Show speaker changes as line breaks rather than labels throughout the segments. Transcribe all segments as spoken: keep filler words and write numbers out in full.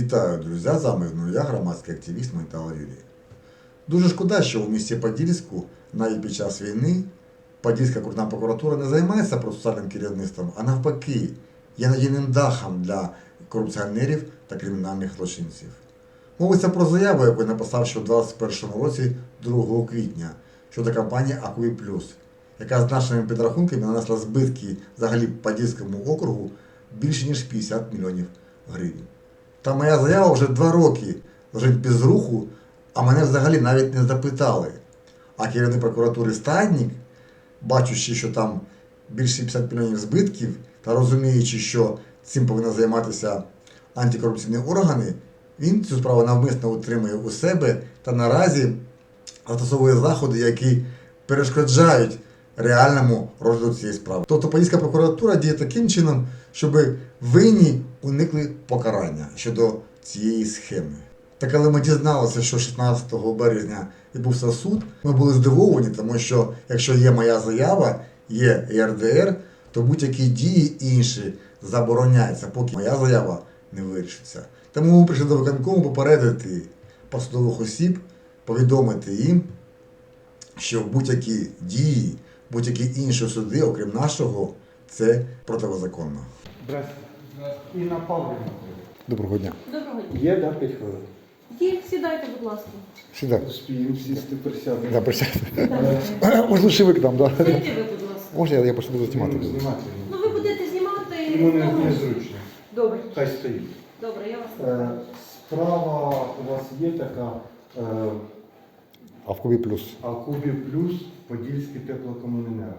Вітаю, друзі! З вами знову я, громадський активіст Майтала Юрій. Дуже шкода, що у місті Подільську навіть під час війни Подільська окружна прокуратура не займається процесуальним керівництвом, а навпаки, є надійним дахом для корупціонерів та кримінальних злочинців. Мовиться про заяву, яку я написав ще у двадцять першому році, другого квітня, щодо компанії АКУІ Плюс, яка з нашими підрахунками нанесла збитки взагалі Подільському округу більше ніж п'ятдесят мільйонів гривень. Та моя заява вже два роки лежить без руху, а мене взагалі навіть не запитали. А керівник прокуратури Стаднік, бачучи, що там більше п'ятдесят мільйонів збитків, та розуміючи, що цим повинні займатися антикорупційні органи, він цю справу навмисно утримує у себе та наразі застосовує заходи, які перешкоджають реальному розгляду цієї справи. Тобто Подільська прокуратура діє таким чином, щоб винні уникли покарання щодо цієї схеми. Та коли ми дізналися, що шістнадцятого березня відбувся суд, ми були здивовані, тому що якщо є моя заява, є ЄРДР, то будь-які дії інші забороняються, поки моя заява не вирішиться. Тому ми прийшли до виконкому попередити посадових осіб, повідомити їм, що будь-які дії, будь-які інші суди, окрім нашого, це протизаконно.
Здравствуйте. Інна Павлівна.
Доброго дня.
Доброго дня.
Є, да, п'ять хвилин?
Є, сідайте, будь ласка.
Сюди.
Успіємо сісти, присядемо.
Да, присядьте. Може, лучше ви к нам, да?
Сідайте ви, будь ласка.
Можна я, я просто буду знімати?
Знімати. знімати.
Ну, ви будете знімати...
Йому не,
тому-
незручно.
Добре.
Хай стоїть.
Добре, я вас
Е,
слухаю.
Справа у вас є така е,
А в Кубі плюс.
Алкубі Плюс Подільський теплокомуненерго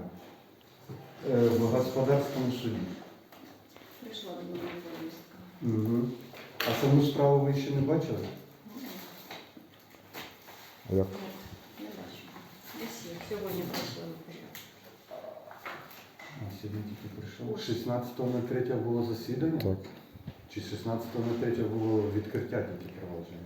е, в господарському суді.
Прийшла до мене повістка.
Угу. А саму справу ви ще не бачили?
Як?
Не бачу. Десь є. Сьогодні прийшла на порядок.
А, сьогодні тільки прийшов. шістнадцятого третього було засідання?
Так.
Чи шістнадцятого третього було відкриття тільки провадження?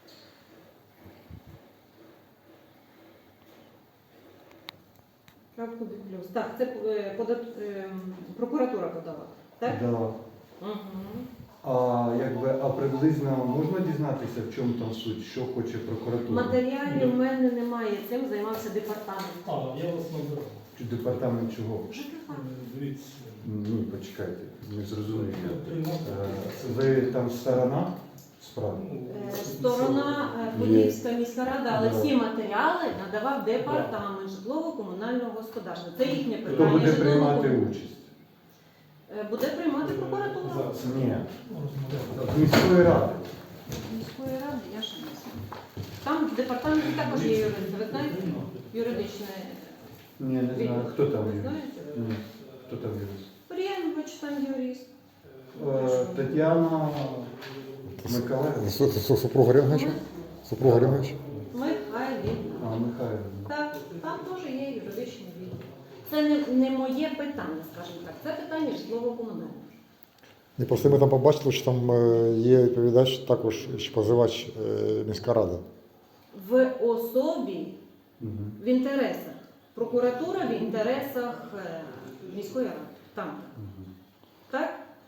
Крапку плюс. Так, це е, подат... е, прокуратура подала. Так?
Да.
Угу.
А якби, а приблизно можна дізнатися, в чому там суть, що хоче прокуратура?
Матеріалів в мене немає. Цим займався департамент.
А, я вас набирав.
Чи департамент чого?
ЖКХ.
Дивіться.
Ні, почекайте, не зрозуміло.
Я приймав.
Е, Ви там сторона справи?
Е, Сторона е, Подільська міська рада, але всі матеріали надавав департамент житлово-комунального господарства. Це їхнє
Хто
питання.
буде приймати
житлово-
участь?
Е, Буде приймати прокуратура.
Зараз.
Ні,
Розмовляв.
з міської ради.
Міської ради, я ще не знаю. Там в департаменті також є юрист. Ви знаєте? Юридичне.
Ні, не знаю. Хто там
Ви
юрист?
знаєте?
Ні. Хто там юрист?
Приянович там юрист.
Е, Тетяна Миколаївна.
Супруга Ренговича? Супруга Ренговича?
Михайлівна.
А, Михайлівна.
Так, там теж є юридичний відділ. Це не, не моє питання, скажімо так. Це питання житлово-комунальне.
І просто ми там побачили, що там е, є відповідач, також ще позивач е, міська рада.
В особі,
Угу.
в інтересах. Прокуратура в інтересах е, міської ради. Там. Так?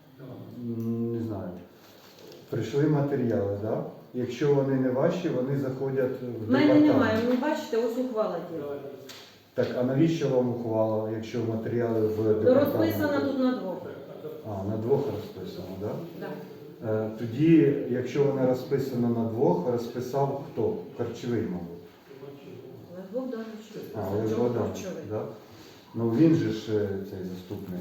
Не знаю. Прийшли матеріали, так? Да? Якщо вони не ваші, вони заходять в
В мене
департамент.
немає, ви бачите, ось ухвала діла.
Так, а навіщо вам ухвала, якщо матеріали в департаменті?
Розписана тут на двох.
А, на двох розписано, так?
Да.
Да? Е, тоді, якщо вона розписана на двох, розписав хто? Харчовий, мабуть.
Ледвох Дарович.
А, Олег Богданович, да? Ну він же ж е, цей заступник.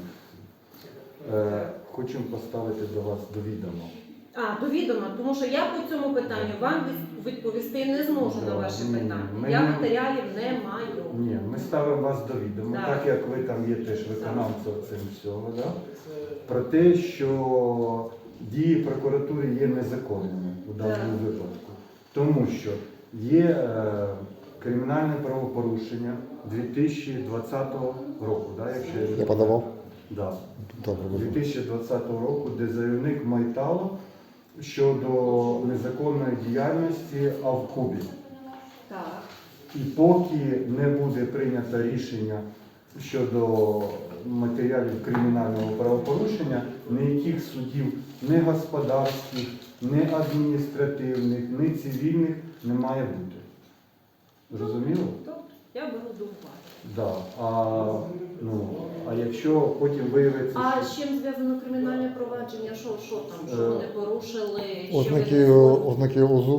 Е, хочемо поставити до вас до відома.
А, до відома, тому що я по цьому питанню вам від- відповісти не зможу на
Да,
ваше
ні,
питання.
ми
Я
не-
матеріалів не маю.
Ні, ми ставимо вас до відома,
Так.
так як ви там є теж виконавцем цим всього, да? Про те, що дії прокуратури є незаконними у даному
Так.
випадку. Тому що є е, кримінальне правопорушення дві тисячі двадцятого року, да, якщо я,
Я подавав?
Да.
Добре,
дві
добре.
тисячі двадцятого року, де заявник Майтало щодо незаконної діяльності Авкубі.
Так.
І поки не буде прийнято рішення щодо матеріалів кримінального правопорушення, ніяких судів, не господарських, ні адміністративних, ні цивільних не має бути. Зрозуміло?
Добре, я беру до уваги.
Да. А, ну, а якщо потім виявиться,
А
що...
з чим зв'язано кримінальне провадження? Що, що там, що
Е,
вони порушили? що
Ознаки,
вони-
ознаки УЗУ,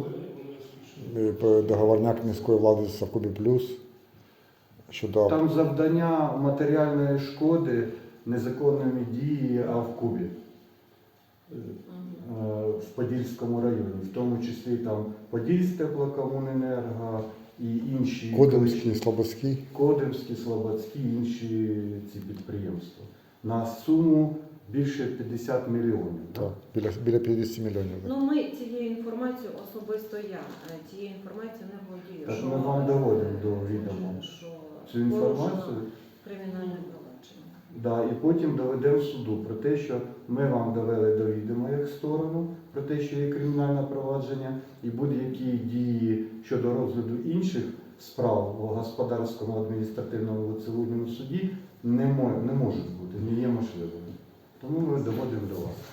е, договорняк міської влади з Совкубі Плюс щодо
Там завдання матеріальної шкоди незаконними діями а в Кубі. Е, В Подільському районі, в тому числі там Подільстеплокомуненерго і інші
Кодимський,
колишні-
Слободський.
Кодимські, Слободські і інші ці підприємства. На суму більше п'ятдесят мільйонів.
Так, біля, біля п'ятдесят мільйонів. так.
Ну, ми цією інформацією, особисто я, е, цією інформацією не володію.
Так
що-
ми вам доводимо до відома
що
цю інформацію.
порушено кримінальне провадження.
Да, і потім доведемо суду про те, що ми вам довели до відома як сторону, про те, що є кримінальне провадження, і будь-які дії щодо розгляду інших справ в господарському, адміністративному і цивільному суді не, мо- не можуть бути, не є можливими. Тому ми доводимо до вас.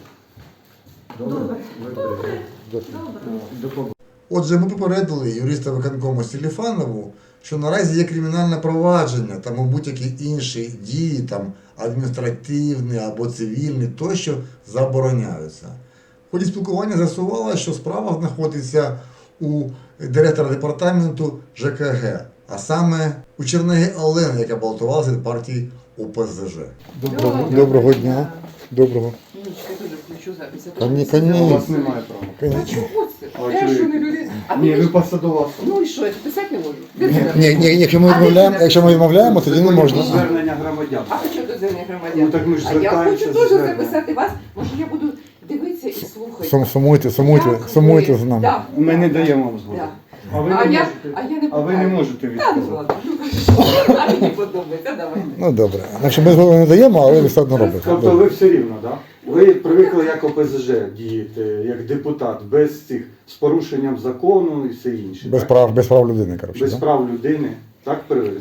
Добре.
Ви
Добре.
прийдете.
Добре.
До побачення.
Отже, ми попередили юриста виконкому Селіфанову, що наразі є кримінальне провадження, тому будь-які інші дії, там адміністративні або цивільні, тощо забороняються. В ході спілкування з'ясувалося, що справа знаходиться у директора департаменту ЖКГ, а саме у Чернеги Олени, яка балотувалася від партії ОПЗЖ.
Доброго-
доброго дня. Доброго.
Нічка, я теж включу запись. а то
Та ні,
запис-
та
У
ні.
вас немає права.
А чого це?
А
Я
чого
що
ви-
не людина? А
Ні,
ти
ви
ж-
посадова особа.
Ну і що, я писати не можу? Де це
Ні,
написано?
ні, якщо ми
А де
відмовляємо,
це
якщо ми відмовляємо, тоді не можна.
Звернення громадян.
А що до звернення громадян?
Ну, так ми ж
а я
звертаємося
хочу
з
теж
зверненням.
записати вас. Може я буду дивитися і слухати.
Сум- Сумуйте, сумуйте,
Як
сумуйте
ви-
з нами.
Да,
Ми не
да,
даємо вам згоду.
да.
А ви
А
не
я,
можете.
а я не
А ви не
питаю.
можете
Та ну
відказати.
ладно, ну кажи, а мені подобається, давайте.
Ну добре. Значить, ми згоду не даємо, але ви все одно робите.
Тобто
Добре.
ви все рівно, так? Да? Ви привикли як ОПЗЖ діяти, як депутат, без цих, з порушенням закону і все інше.
Без
так?
прав, без прав людини, коротше.
Без
да?
прав людини. Так привикли?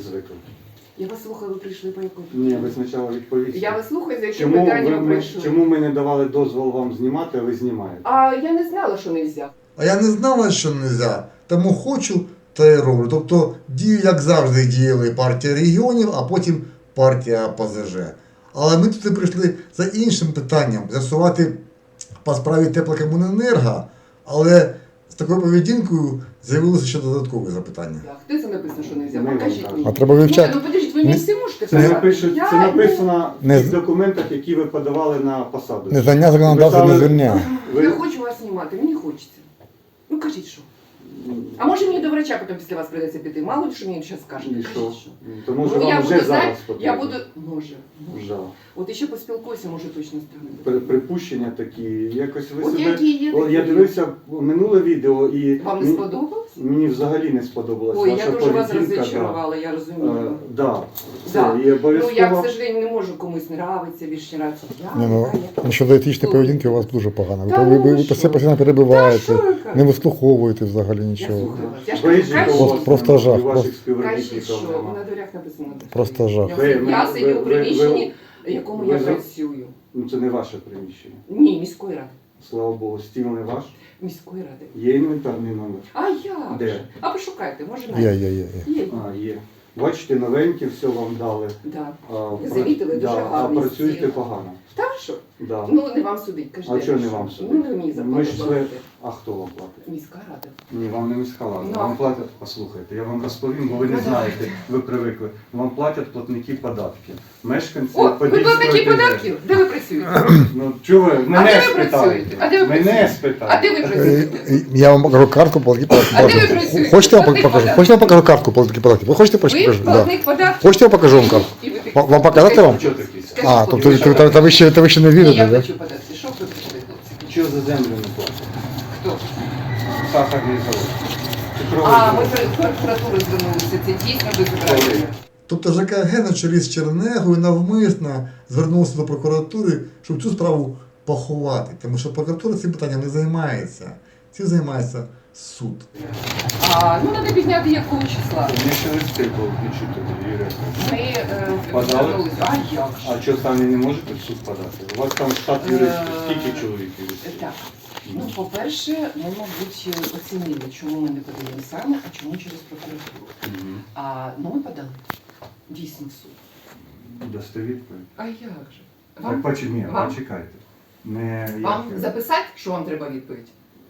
Я вас слухаю, ви прийшли по якому?
Ні, ви спочатку відповісти.
Я вас слухаю, за яким
Чому, ви,
питанням
ми,
прийшли.
чому ми не давали дозвол вам знімати, а ви знімаєте?
А я не знала, що не можна.
А я не знала, що не можна, тому хочу та й роблю. Тобто дію, як завжди, діяли партія регіонів, а потім партія ОПЗЖ. Але ми туди прийшли за іншим питанням з'ясувати по справі теплокомуненерго, але з такою поведінкою з'явилося ще додаткові запитання.
Так, де це написано, що не можна?
Ми вам
Покажіть
кажемо.
мені.
А треба
Ні,
вивчати.
ну подождіть, ви мені всі можете
Це,
писати?
напишуть,
Я
це написано
Не
в
з-
тих документах, які ви подавали на посаду.
Незнання законодавства не звільняє.
Ви-
Не хочу вас знімати, мені хочеться. Ну кажіть, що. А може мені до врача потім після вас прийдеться піти? Мало ли, що мені зараз скажете.
І що?
Кажіть, що.
То може
Ну,
вам
я
вже
буду,
зараз
знаєте,
потрібно.
я буду, може, може.
Жал.
От іще поспілкуюся, може точно
При-
стане.
Припущення такі. Якось ви
От
себе.
які є
О, я
такі.
дивився минуле відео і
Вам не
мені-
сподобалось?
мені взагалі не сподобалась
Ой,
ваша
я дуже вас
поведінка.
розчарувала, я
Да.
розумію.
Е, да.
Да.
Це, і
Ну,
обов'язково.
я, к сожалению, не можу комусь нравиться, більш не нравиться. Я,
Ні, ну,
я, я.
щодо етичної поведінки у вас дуже погано. Ви,
Та
ви,
ну
ви,
ви
ви
що?
все постійно
Та
перебиваєте,
що ви кажете?
не вислуховуєте взагалі
Я
нічого.
слухаю вас. Я ж
Бейджика
кажу,
у
Просто-
вас
просто
нема,
жах,
і ваших
просто-
співробітників
кажіть, що
нема.
на дверях написано.
Просто жах.
Я,
Ви-
я
ви-
сидю
ви-
у
ви-
приміщенні, в якому
ви
я
за-
працюю.
Ну це не ваше приміщення.
Ні, міської ради.
Слава Богу, стіл не ваш.
Міської ради.
Є інвентарний номер.
А я?
Де?
А пошукайте, може
Є,
навіть.
є, є. є.
Є.
А, є. Бачите, новенькі, все вам дали.
Да.
А,
Ви
пра-
замітили, дуже
да,
гарний
А працюєте
стіл.
погано.
Та що?
Да.
Ну, не вам судить, кажете.
А чого не вам судить?
Ну, не мені
Ми
зарплату
ж це-
платите.
А хто вам платить?
Міська рада.
Ні, вам не міська рада.
Ну,
Вам
а-
платять, послухайте, я вам розповім, бо ви не
Ну,
знаєте, ви привикли. Вам платять платники податків. Мешканці
О, ви
Подільської
платники
ОТГ.
податків? Де ви працюєте?
Ну, чого ви?
А
Мене
де ви
спитайте.
працюєте? А де ви
Мене
працюєте?
спитайте.
А де ви
Е,
працюєте?
е, Я вам покажу картку платки
А де ви
податків.
працюєте?
Хочете я вам
Платник
покажу?
податків.
Хочете я вам покажу картку платки податків? Ви хочете
Ви
покажу? Да.
платник податків?
Хочете я покажу вам картку?
І ви такі-
Вам- вам показати вам?
Чого такі?
Скажіть,
А,
хлопці,
тобто
що
та, та, та ви ще, та ви ще не
Ні, я
вірите, так?
хочу податки. Що ви прийшли, хлопці?
Чого за землю не платять?
Хто?
Сахарний завод. Цукровий
А, ми
завод.
про прокуратуру звернулися. Це дійсно безобразие.
Тобто ЖКГ на чолі з Чернегою навмисно звернувся до прокуратури, щоб цю справу поховати. Тому що прокуратура цим питанням не займається. Цим займається суд.
А, ну, треба підняти якого числа.
Мені ще листи були відчути, Юрія.
Ми е,
Подали?
звернулися. А як же?
А що самі не можете в суд подати? У вас там штат
Е,
юристів. Скільки чоловік юристів?
Так. Ну, по-перше, ми, мабуть, оцінили, чому ми не подаємо саме, а чому через прокуратуру.
Мгм.
А, ну, ми подали. Дійсно в суд.
Дасте відповідь?
А як же?
Так,
Вам,
почекайте, ні,
вам?
почекайте. Не,
вам
як-
записати, що вам треба відповідь?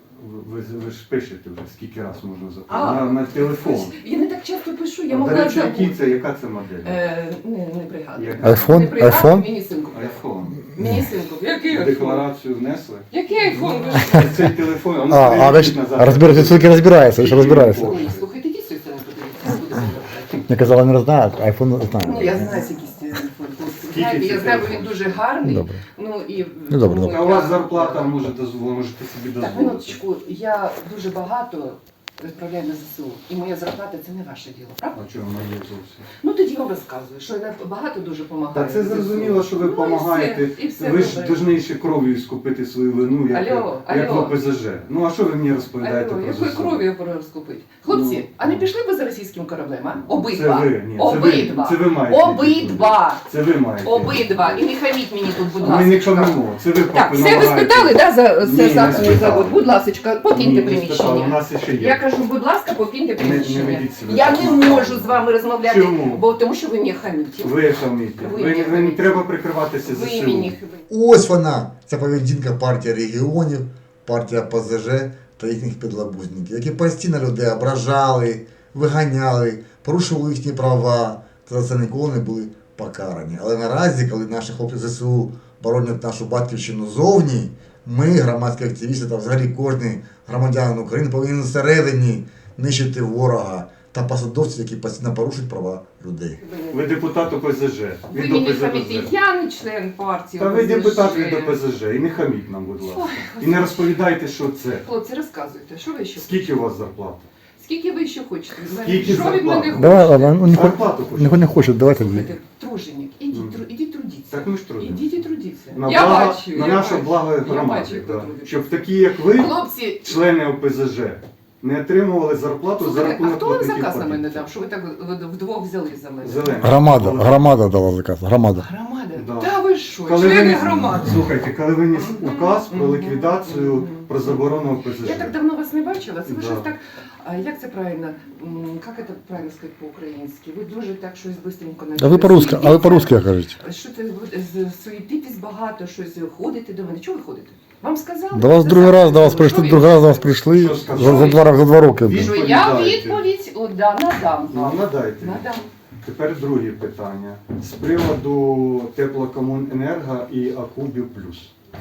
ви, ви, ви ж пишете вже, скільки раз можна запитати.
А.
На, на телефон.
Я не так часто пишу, я
До
могла
речі, які
забути.
це, яка це модель?
Е, не, не пригадую.
Як?
Айфон?
Не пригадую,
Айфон?
мені синку.
Айфон.
Мені синку. Який айфон?
Декларацію внесли?
Який айфон? Ви що?
Цей телефон, он
А, а ви ж розбираєте, тільки розбирається, ви ж розбираєтеся.
Ой, слухайте, ідіть з цієї сторони подивіться, не буду повертати.
Я казала, не знаю, айфон не
Ну,
знаю.
я знаю, який телефон.
Скільки
Знаєте,
це
я знаю,
телефон?
він дуже гарний.
Добре.
Ну, і,
Ну, добре,
ну,
добре.
А у
я-
вас зарплата може дозволити, можете собі
Так,
дозволити.
минуточку, я дуже багато відправляю на ЗСУ. І моя зарплата це не ваше діло, правда?
А чого моє зовсім?
Ну тоді я вам розказую, що я багато дуже допомагаю.
Та це зрозуміло, що ви
Ну, і
допомагаєте.
все, і все
Ви ж
добре.
повинні ще кров'ю скупити свою вину, як,
Алло,
як в
алло.
ОПЗЖ. Ну а що ви мені розповідаєте
Алло,
про
якою
ЗСУ?
кров'ю пора розкупити? Хлопці,
Ну,
а не пішли ви за російським кораблем, а?
Це
Обидва.
ви, ні, це
Обидва.
ви, це ви маєте.
Обидва.
Це ви маєте.
Обидва. І не хаміть мені тут, будь
Ми не
ласка.
камимо, це ви
Так, все ви
допомагаєте.
спитали, да, за
Ні,
це
не
саме
спитали.
завод? Будь ласка, покиньте
Ні, не спитали, у
приміщення.
нас ще є.
Я кажу, будь ласка, покиньте
Не- не
приміщення.
ведіть себе
Я
так.
не можу з вами розмовляти,
Чому?
бо тому що ви мені хаміте.
Ви хаміте.
Ви
Ви,
мені
ви, не
хаміте.
треба прикриватися
Ви
ЗСУ.
мені
Ось вона, ця поведінка партії регіонів, партія ПЗЖ та їхніх підлабузників, які постійно людей ображали, виганяли, порушували їхні права, та за це ніколи не були покарані. Але наразі, коли наші хлопці ЗСУ боронять нашу батьківщину зовні, ми, громадські активісти та взагалі кожен громадянин України повинен всередині нищити ворога та посадовців, які постійно порушують права людей.
Ви депутат ОПЗЖ.
Ви
Від
мені
ОПЗЖ.
хаміте. Я не член партії.
Та ви
ОПЗЖ.
депутат від ОПЗЖ. І не хаміть нам, будь ласка.
Ой,
І не розповідайте, що це.
Хлопці, розказуйте, що ви ще?
Скільки у вас зарплата?
Скільки ви ще хочете? від мене?
Скільки
Що від мене
зарплата?
хочете?
Давай, ладно, ну, не, хо-
Зарплату хочете?
не, не хочуть, давайте.
Слухайте, труженик, ідіть,
Мгм.
тру- ідіть трудіться.
Так ми ж трудимося.
Ідіть і трудіться.
На,
я
благо,
бачу,
на
я
нашу
бачу.
благо
Я бачу,
громади.
як ви
Да.
трудитесь.
Щоб такі, як ви,
Хлопці,
члени ОПЗЖ, не отримували зарплату за
слухайте, а
рахунок
хто вам
платників
заказ на мене
податків.
дав? Що ви так вд- вдвох взяли за мене?
Зелена.
Громада, громада дала заказ, громада.
Громада?
Да.
Та ви що,
Коли
члени
виніс-
громади?
Слухайте, коли виніс указ про
Мгм.
ліквідацію,
Мгм.
про заборону ОПЗЖ.
Я так давно вас не бачила, це ви
Да.
щось так, а як це правильно, М, як це правильно сказати по-українськи? Ви дуже так щось бистренько
А ви по-русски, а ви по-русски кажете.
Що це ви з- суетитесь багато, щось ходите до мене? Чого ви ходите? Вам сказали?
До вас
Це
другий
саме
раз до вас
сказали.
прийшли,
Що
другий
ви-
раз до вас прийшли
Що
за,
сказали?
за, два, за два роки. блін.
Що я
Відповідайте.
відповідь о, да, надам
Ну,
вам.
надайте.
Надам.
Тепер друге питання. З приводу теплокомуненерго і Акубі Плюс.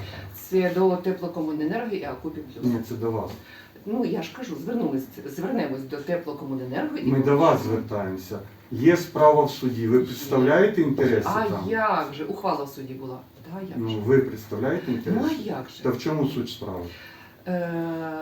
Це до теплокомуненерго і Акупі Плюс.
Ні, це до вас.
Ну я ж кажу, звернулись, звернемось до теплокомуненерго і
Ми до вас звертаємося. Є справа в суді. Ви представляєте інтереси
А
там?
як же? Ухвала в суді була. Да, як
Ну,
же?
ви представляєте
Ну
інтереси?
а як же?
Та в чому суть справи?
Е,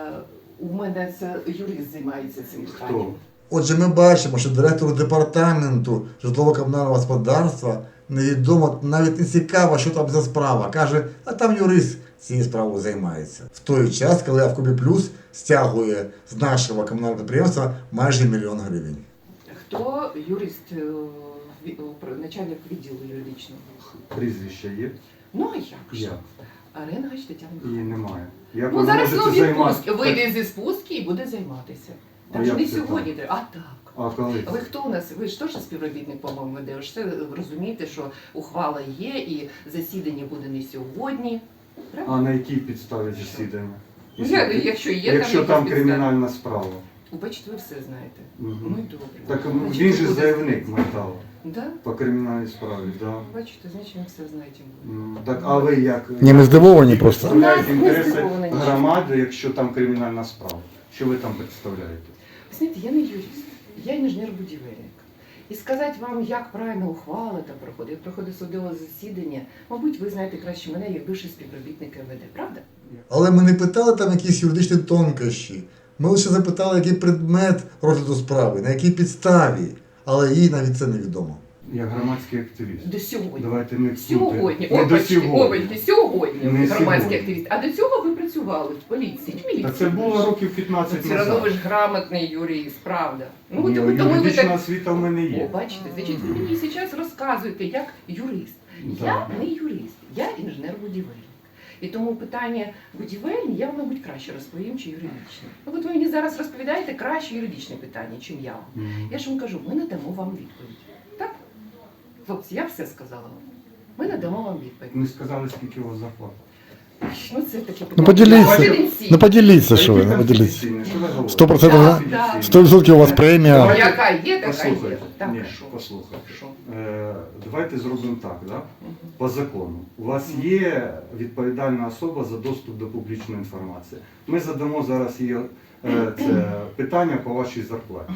у мене це юрист займається цим питанням.
Хто?
Отже, ми бачимо, що директору департаменту житлово-комунального господарства невідомо, навіть не цікаво, що там за справа. Каже, а там юрист цією справою займається. В той час, коли Авкубі Плюс стягує з нашого комунального підприємства майже мільйон гривень.
Хто юрист, е, ві- о, про- начальник відділу юридичного?
Прізвище є?
Ну а як же?
Як?
Аренгаш Тетяна.
Її немає. Як
Ну
ви
зараз
можете
ну,
займатися?
відпустки. Вийде зі спустки і буде займатися.
А
Так що
як
не
це
сьогодні треба. А так.
А коли?
Ви хто у нас? Ви ж теж співробітник, по-моєму, де ви ж все розумієте, що ухвала є і засідання буде не сьогодні. Правда?
А на якій підставі засідання?
Ну, я- якщо є
Якщо
там
там
якісь
кримінальна справа.
Бачите, ви все знаєте.
Мгм.
Ну і добре.
Так
Значить,
він же
буде-
заявник металу
Да?
по кримінальній справі, да.
Бачите, значить ви все знаєте.
М, Так, а ви як?
Ні, ми здивовані просто.
Представляєте
Нас не
інтереси
здивовані нічим.
громади, якщо там кримінальна справа? Що ви там представляєте?
Ви знаєте, я не юрист, я інженер-будівельник. І сказати вам, як правильно ухвала там проходить, як проходить судове засідання, мабуть, ви знаєте краще мене, як бивший співробітник МВД, правда?
Але ми не питали там якісь юридичні тонкощі. Ми лише запитали, який предмет розгляду справи, на якій підставі. Але їй навіть це невідомо.
Як громадський активіст.
До сьогодні.
Давайте не
Сьогодні,
не до
опачки,
сьогодні.
опачки, сьогодні
Не
ви громадський
сьогодні.
активіст. А до цього ви працювали в поліції, в міліції.
Та це було років п'ятнадцять
Все одно ви
назад.
ж грамотний юрист, правда. Ну,
Ні,
тому, тому ви
юридична
так...
освіта в мене
О,
є.
бачите, значить, ви мені зараз розказуєте, як юрист.
Да.
Я не юрист, я інженер-будівельник. І тому питання будівельні я вам, мабуть, краще розповім, чи юридичні. Ну, от ви мені зараз розповідаєте краще юридичне питання, чим я вам. Я ж вам кажу, ми надамо вам відповідь. Так? Хлопці, я все сказала вам. Ми надамо вам відповідь.
Не сказали, скільки у вас зарплата.
Ну, це таке питання.
Ну поділіться.
Конфіденційне.
Ну поділіться, що ви,
Які
ну поділіться.
конфіденційні? Що ви говорите?
Сто процентів,
Да, да.
сто відсотків у вас премія.
Давайте-
Яка є, така є.
Послухайте,
Так,
ні,
що?
послухайте.
Що?
Е, давайте зробимо так, да?
Мгм.
По закону. У вас є відповідальна особа за доступ до публічної інформації. Ми задамо зараз її е, це питання по вашій зарплаті.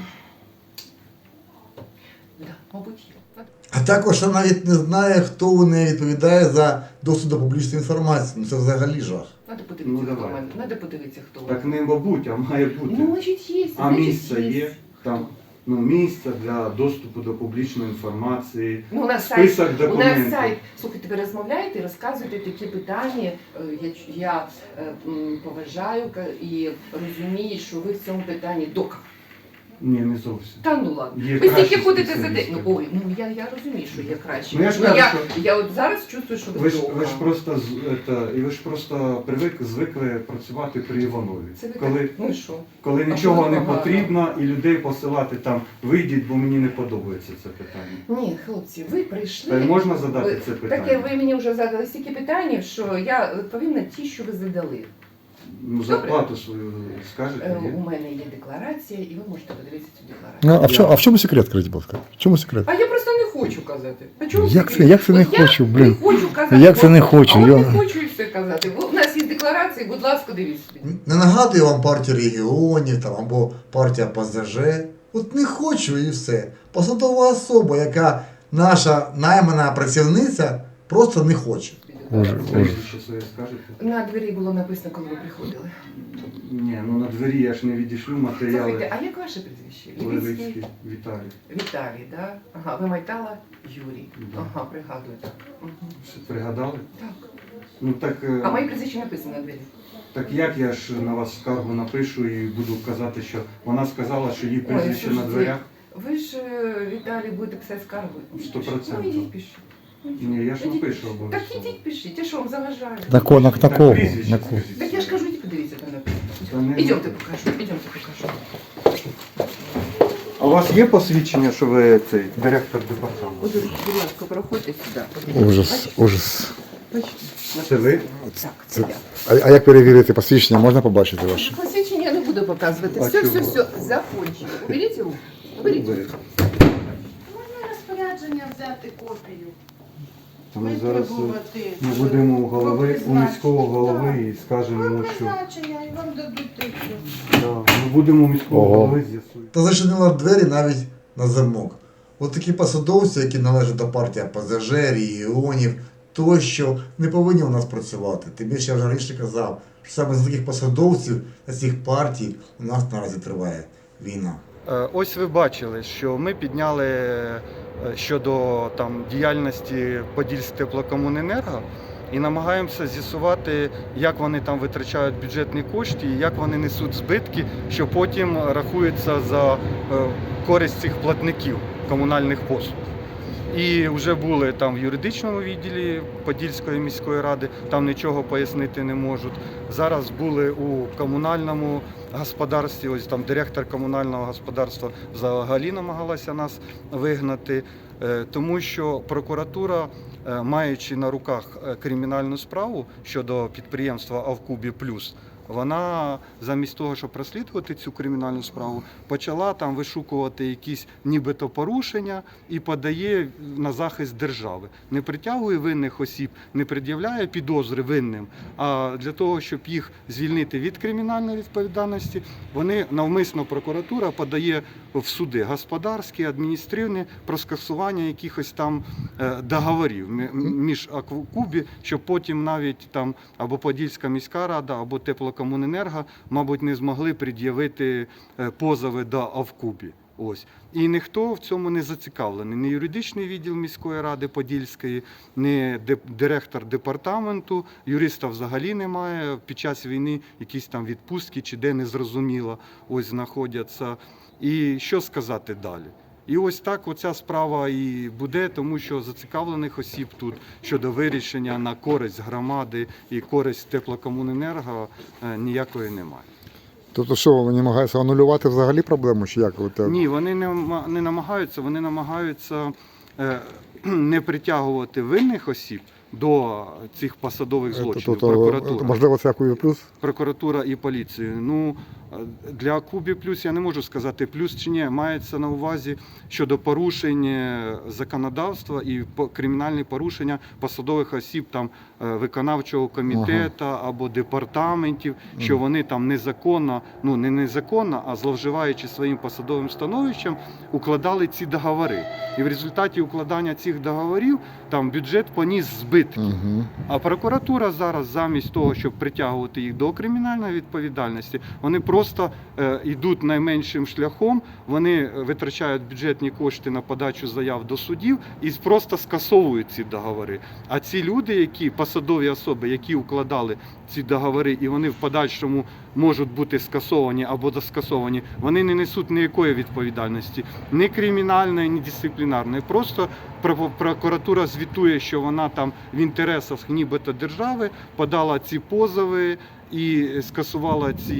Да, мабуть, є.
А також вона навіть не знає, хто у неї відповідає за доступ до публічної інформації. Ну це взагалі жах.
Надо подивитися,
Ну,
хто в
давай.
мене. Надо подивитися, хто в
Так
мене.
не мабуть, а має бути.
Ну, значить, є.
А
значить,
місце є? Там ну, місце для доступу до публічної інформації,
Ну, у нас сайт.
список
У нас
документів.
сайт. Слухайте, ви розмовляєте і розказуєте такі питання. Е, Я, я е, м, поважаю ка- і розумію, що ви в цьому питанні дока.
Ні, не зовсім.
Та ну ладно.
Є
Ви стільки
кращі
ходите за день.
спеціалісти.
Ну, ой, ну я, я розумію, що є краще.
Ну, я ж
Ну,
кажу,
я,
що-
я от зараз чувствую, що ви,
Ви ж,
дока.
ви ж просто з- это, і ви ж просто привик, звикли працювати при Іванові.
Це ви
Коли,
так? Ну і що?
коли
А
нічого
що
не
погано?
потрібно і людей посилати там, вийдіть, бо мені не подобається це питання.
Ні, хлопці, ви прийшли.
Та й можна задати
Ви-
це питання?
Таке ви мені вже задали стільки питань, що я відповім на ті, що ви задали.
Ну, зарплату свою скажете,
Е,
ні?
У мене є декларація, і ви можете подивитися цю декларацію.
Ну, а в чому, а в чому секрет, скажіть, будь ласка? В чому секрет?
А я просто не хочу казати. А чому
Як
секрет?
це- як це не
От
хочу,
я
блін?
Не хочу казати.
Як це
От-
не хочу,
А от
я-
не хочу і все казати. Бо у нас є декларації, будь ласка, дивіться собі.
Не нагадую вам партію регіонів там, або партія ПЗЖ. От не хочу і все. Посадова особа, яка наша наймана працівниця, просто не хоче.
Ужас, ужас.
Прізвище своє скажете?
На двері було написано, коли ви приходили.
Ні, ну на двері я ж не відійшлю
Слухайте,
матеріали.
а як ваше прізвище?
Левицький Віталій.
Віталій, да? Ага, ви Майтала Юрій.
Да.
Ага, пригадую так. Мгм.
Все пригадали?
Так.
Ну так, е,
А моє прізвище написано на двері.
так як я ж на вас скаргу напишу і буду казати, що вона сказала, що її
Ой,
прізвище на
слушайте,
дверях?
Ви ж, е, Віталій, будете писати скаргу.
Сто процентів.
Ну, ідіть пишіть. Ну,
Ні, я ж
ідіть
напишу
пишіть.
обов'язково.
Так ідіть пишіть, я що вам заважаю?
На кого? На, на
Так,
кого?
прізвище
На кого?
скажіть
Так я ж
своє.
кажу, ідіть подивіться там
Та
написано.
не-
Ідемте покажу, ідемте покажу.
А у вас є посвідчення, що ви цей директор департаменту?
Будь будь ласка, проходьте сюди. подивіться.
Ужас, ужас.
Бачите?
Це ви?
Так, це я.
А, а як перевірити посвідчення? Можна побачити ваше?
Посвідчення я не буду показувати.
А
Все,
чого?
все, все, закончили. Уберіть руку. Уберіть.
Ви.
Можна розпорядження взяти копію?
Ми зараз е,
Витребувати
ми будемо у голови, у
призначення.
міського голови і скажемо йому,
Про
що
призначення і вам дадуть тисячу.
да, ми будемо у міського
Ого.
голови з'ясуємо.
Та зачинила двері навіть на замок. От такі посадовці, які належать до партії ПЗЖ, регіонів, тощо, не повинні у нас працювати. Тим більше я вже раніше казав, що саме з таких посадовців та цих партій у нас наразі триває війна.
Е, Ось ви бачили, що ми підняли е, щодо там діяльності Подільстеплокомуненерго і намагаємося з'ясувати, як вони там витрачають бюджетні кошти і як вони несуть збитки, що потім рахується за е, користь цих платників комунальних послуг. І вже були там в юридичному відділі Подільської міської ради, там нічого пояснити не можуть. Зараз були у комунальному господарстві, ось там директор комунального господарства взагалі намагалася нас вигнати, е, тому що прокуратура, е, маючи на руках е, кримінальну справу щодо підприємства Авкубі Плюс, вона замість того, щоб розслідувати цю кримінальну справу, почала там вишукувати якісь нібито порушення і подає на захист держави. Не притягує винних осіб, не пред'являє підозри винним, а для того, щоб їх звільнити від кримінальної відповідальності, вони навмисно прокуратура подає в суди господарські, адміністративні про скасування якихось там е, договорів мі- між Авкубі, щоб потім навіть там або Подільська міська рада, або Теплокомуненерго, мабуть, не змогли пред'явити е, позови до Авкубі. Ось. І ніхто в цьому не зацікавлений. Ні юридичний відділ міської ради Подільської, ні деп- директор департаменту, юриста взагалі немає. Під час війни якісь там відпустки чи де, незрозуміло, ось знаходяться. І що сказати далі? І ось так оця справа і буде, тому що зацікавлених осіб тут щодо вирішення на користь громади і користь теплокомуненерго е, ніякої немає.
Тобто що, вони намагаються анулювати взагалі проблему, чи як? От, е,
Ні, вони не, ма- не намагаються, вони намагаються е, не притягувати винних осіб до цих посадових злочинів.
тобто,
Прокуратура.
можливо, це Акубі плюс?
Прокуратура і поліцію. Ну, для Кубі плюс я не можу сказати плюс чи ні. Мається на увазі щодо порушень е, законодавства і по- кримінальні порушення посадових осіб там е, виконавчого комітету або департаментів, що вони там незаконно, ну не незаконно, а зловживаючи своїм посадовим становищем, укладали ці договори. І в результаті укладання цих договорів там бюджет поніс збитки.
Угу.
А прокуратура зараз, замість того, щоб притягувати їх до кримінальної відповідальності, вони просто е, йдуть найменшим шляхом, вони витрачають бюджетні кошти на подачу заяв до судів і просто скасовують ці договори. А ці люди, які посадові особи, які укладали ці договори, і вони в подальшому можуть бути скасовані або доскасовані, вони не несуть ніякої відповідальності, ні кримінальної, ні дисциплінарної. Просто про- прокуратура звітує, що вона там в інтересах нібито держави подала ці позови і скасувала ці,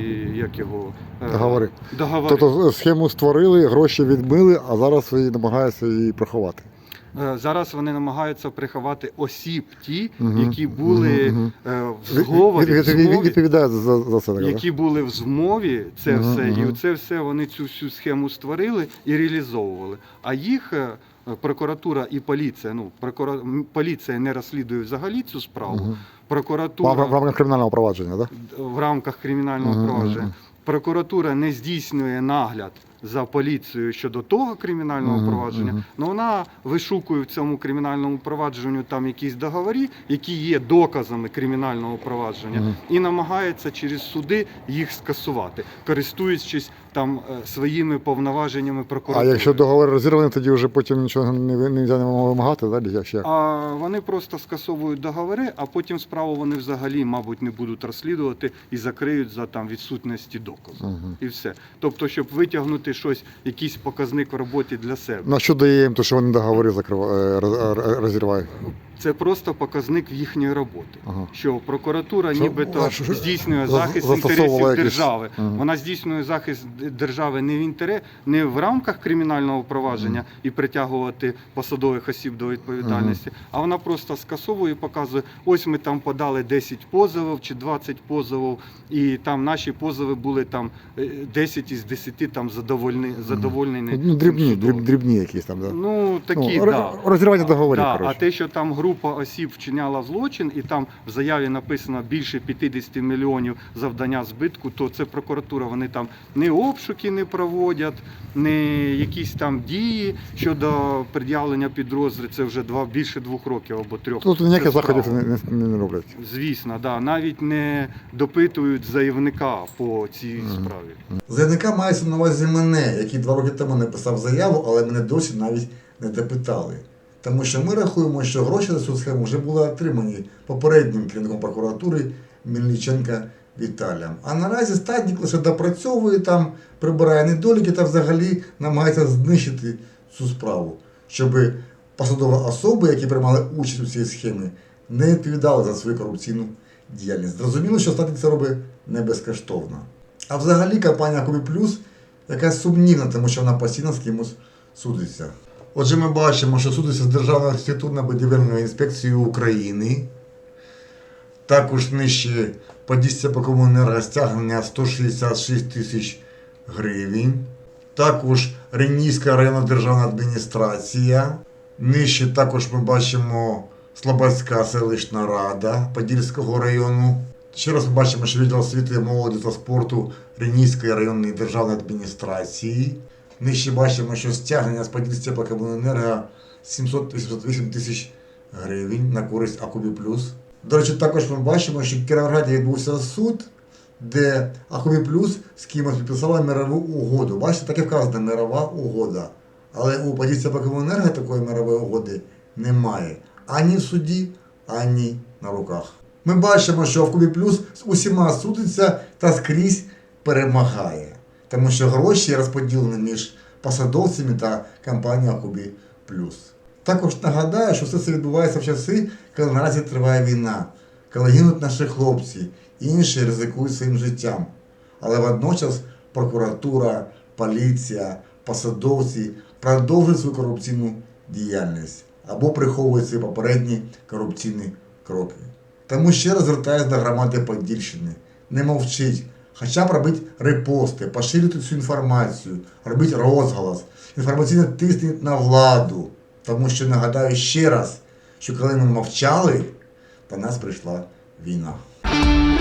як його, е,
Договори.
договори.
Тобто схему створили, гроші відмили, а зараз ви намагаються її приховати.
Е, Зараз вони намагаються приховати осіб ті,
Мгм.
які були
Мгм,
е, в
Від-
зговорі,
від-
в
від- від-
змові,
Відповідають за, за це. Так, да?
які були в змові, це
Мгм,
все, і
мгм.
це все вони цю всю схему створили і реалізовували. А їх е, прокуратура і поліція, ну прокура... м, поліція не розслідує взагалі цю справу.
Мгм.
Прокуратура
В рамках кримінального провадження, так?
в рамках кримінального
Мгм,
провадження.
мгм.
Прокуратура не здійснює нагляд за поліцією щодо того кримінального
Мгм,
провадження,
мгм.
але вона вишукує в цьому кримінальному провадженню там якісь договори, які є доказами кримінального провадження,
Мгм.
і намагається через суди їх скасувати, користуючись там е, своїми повноваженнями
А
прокуратури.
якщо договор розірваний, тоді вже потім нічого не, не, не можна вимагати, так? Як ще?
А вони просто скасовують договори, а потім справу вони взагалі, мабуть, не будуть розслідувати і закриють за там відсутності доказу.
Мгм.
І все. Тобто, щоб витягнути щось, якийсь показник в роботі для себе.
На що дає їм, то що вони договори закривають, розірвають?
Це просто показник їхньої роботи.
Ага.
Що прокуратура
Що,
нібито
а, що- що-
здійснює
за-
захист
застосовувала
інтересів
якісь-
держави.
Ага.
Вона здійснює захист д- держави не в інтерес, не в рамках кримінального провадження і притягувати посадових осіб до відповідальності, а вона просто скасовує і показує, ось ми там подали десять позовів чи двадцять позовів, і там наші позови були там е, десять із десяти там задовольні, задовольнені.
Ну, дрібні,
цим
дріб,
судом.
дрібні якісь там, так? Да?
Ну, такі,
Ну,
да.
роз- розірвання договорів,
Да, а
коротше.
те, що там група осіб вчиняла злочин, і там в заяві написано більше п'ятдесят мільйонів завдання збитку, то це прокуратура. Вони там не обшуки не проводять, не якісь там дії щодо пред'явлення підозри. Це вже два більше двох років або трьох.
Тут ніяких
Це
заходів
справа.
не, не, не роблять.
Звісно, да. Навіть не допитують заявника по цій
Мгм.
справі.
Заявника мається на увазі мене, який два роки тому написав заяву, але мене досі навіть не допитали. Тому що ми рахуємо, що гроші за цю схему вже були отримані попереднім керівником прокуратури Мельниченка Віталієм. А наразі статник лише допрацьовує там, прибирає недоліки та взагалі намагається знищити цю справу, щоб посадові особи, які приймали участь у цій схемі, не відповідали за свою корупційну діяльність. Зрозуміло, що статник це робить не безкоштовно. А взагалі компанія Кубі Плюс якась сумнівна, тому що вона постійно з кимось судиться. Отже, ми бачимо, що судиться з Державною архітектурно-будівельною інспекцією України. Також нижче Подільська Теплокомуненерго стягнення сто шістдесят шість тисяч гривень. Також Ренійська районна державна адміністрація. Нижче також ми бачимо Слободська селищна рада Подільського району. Ще раз ми бачимо, що відділ освіти, молоді та спорту Ренійської районної державної адміністрації. Нижче бачимо, що стягнення з Подільська Теплокомуненерго сімсот вісімдесят вісім тисяч гривень на користь Акубі Плюс. До речі, також ми бачимо, що в Кіровограді відбувся суд, де Акубі Плюс з кимось підписала мирову угоду. Бачите, так і вказано мирова угода. Але у Подільська Теплокомуненерго такої мирової угоди немає. Ані в суді, ані на руках. Ми бачимо, що Акубі Плюс з усіма судиться та скрізь перемагає. Тому що гроші розподілені між посадовцями та компанією Кубі Плюс. Також нагадаю, що все це відбувається в часи, коли наразі триває війна, коли гинуть наші хлопці, інші ризикують своїм життям. Але водночас прокуратура, поліція, посадовці продовжують свою корупційну діяльність або приховують свої попередні корупційні кроки. Тому ще раз звертаюся до громади Подільщини. Не мовчіть, хоча б робіть репости, поширюйте цю інформацію, робіть розголос, інформаційно тисніть на владу. Тому що нагадаю ще раз, що коли ми мовчали, до нас прийшла війна.